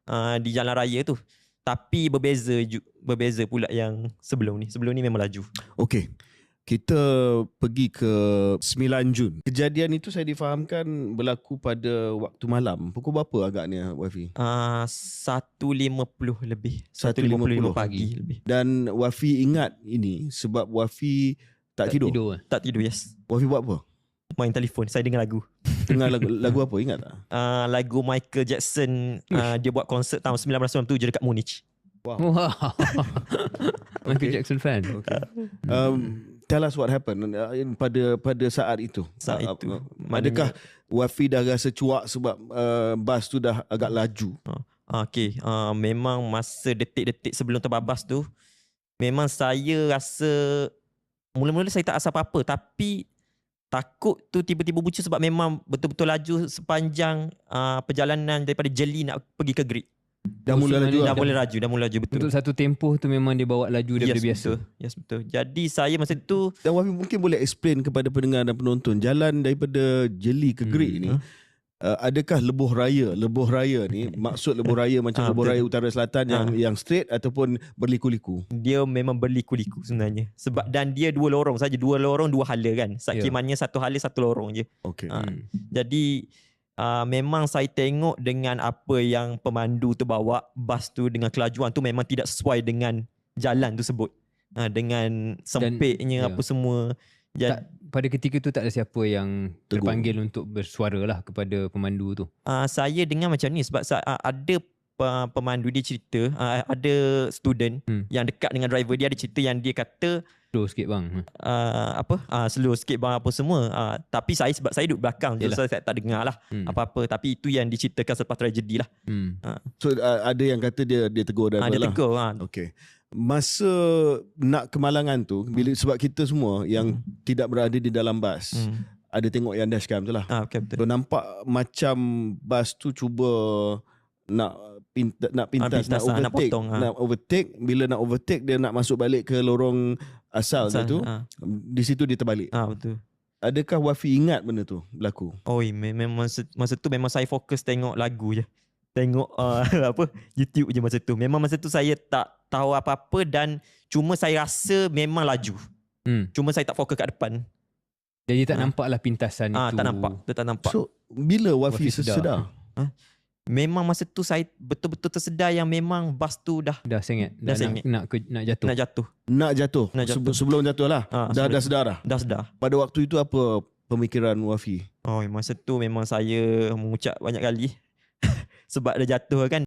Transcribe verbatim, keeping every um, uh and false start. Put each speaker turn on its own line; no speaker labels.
uh, di jalan raya tu. Tapi berbeza berbeza pula yang sebelum ni. Sebelum ni memang laju.
Okey. Kita pergi ke sembilan Jun. Kejadian itu saya difahamkan berlaku pada waktu malam. Pukul berapa agaknya, Wafi?
Uh, satu lima puluh lebih.
satu lima puluh
pagi lebih.
Dan Wafi ingat ini sebab Wafi tak, tak tidur.
tidur.
Tak tidur, yes.
Wafi buat apa?
Main telefon. Saya dengar lagu.
Dengar lagu, lagu apa? Ingat tak?
Uh, lagu Michael Jackson. Uh, dia buat konsert tahun sembilan belas sembilan puluh tujuh dekat Munich.
Wow.
Wow. Michael Jackson fan.
Okay. Um, tell us what happened uh, pada pada saat itu.
Saat
uh,
itu.
Uh, adakah Wafi dah rasa cuak sebab uh, bas tu dah agak laju?
Uh, okay. Uh, memang masa detik-detik sebelum terbabas tu, memang saya rasa mula-mula saya tak rasa apa-apa. Tapi takut tu tiba-tiba bucu sebab memang betul-betul laju sepanjang uh, perjalanan daripada Jeli nak pergi ke Grid.
Dah
Oh,
mula
so
laju.
Dah
Dah
mula laju, dah mula laju betul.
Untuk satu tempoh tu memang dia bawa laju daripada
yes,
biasa.
Betul. Yes, betul. Jadi saya masa tu,
Dan Wafi mungkin boleh explain kepada pendengar dan penonton jalan daripada Jeli ke Grid hmm. ni.
huh?
Uh, adakah lebuh raya? Lebuh raya ni maksud lebuh raya macam
Ah,
lebuh
betul.
raya utara selatan yang
Ah.
yang straight ataupun berliku-liku?
dia memang berliku-liku sebenarnya. Sebab dan dia dua lorong saja, dua lorong dua hala kan. Sakimannya yeah. satu hala satu lorong je.
Okey.
Uh,
Hmm.
Jadi uh, memang saya tengok dengan apa yang pemandu tu bawa, bas tu dengan kelajuan tu memang tidak sesuai dengan jalan tersebut. Uh, dengan sempitnya
Dan,
apa yeah. semua. Jadi,
Tak, pada ketika tu tak ada siapa yang
Tegur.
terpanggil untuk bersuara lah kepada pemandu tu.
uh, saya dengar macam ni sebab uh, ada uh, pemandu dia cerita, uh, ada student
Hmm.
yang dekat dengan driver dia, ada cerita yang dia kata
Slow sikit bang.
uh, apa uh, slow sikit bang apa semua. Uh, tapi saya sebab saya duduk belakang je, so saya tak dengar lah
Hmm.
apa-apa. Tapi itu yang diceritakan selepas tragedi lah.
Hmm.
Uh,
So uh, ada yang kata dia dia tegur driver
uh, dia
lah.
tegur. Uh,
Okey. Masa nak kemalangan tu bila sebab kita semua yang
Hmm.
tidak berada di dalam bas
hmm.
ada tengok yang dashcam tu lah.
uh, okay, betul.
So nampak macam bas tu cuba nak pinta, nak pintas,
pintas,
nak
ah, nak
overtake,
potong, ah.
nak overtake. Bila nak overtake dia nak masuk balik ke lorong asal,
Asal,
dia tu.
ah.
Di situ dia terbalik.
Ah, betul.
Adakah Wafi ingat benda tu berlaku?
Oh, memang masa, masa tu memang saya fokus tengok lagu je. Tengok uh, apa YouTube je masa tu. Memang masa tu saya tak tahu apa-apa dan cuma saya rasa memang laju.
Hmm.
Cuma saya tak fokus kat depan.
Jadi tak
Ah.
nampak lah pintasan
Ah,
itu.
tak nampak. Dia tak nampak.
So bila Wafi,
Wafi sedar.
sedar?
Memang masa tu saya betul-betul tersedar yang memang bas tu dah
Dah sengit.
Dah
Dah,
sengit.
nak, nak, ke, nak jatuh.
nak jatuh.
Nak jatuh.
Nak jatuh.
Sebe- sebelum jatuh lah.
Ah,
dah
sebelum-
dah sedar dah.
Dah sedar.
Pada waktu itu apa pemikiran Wafi?
Oh, masa tu memang saya mengucap banyak kali. Sebab dah jatuh kan.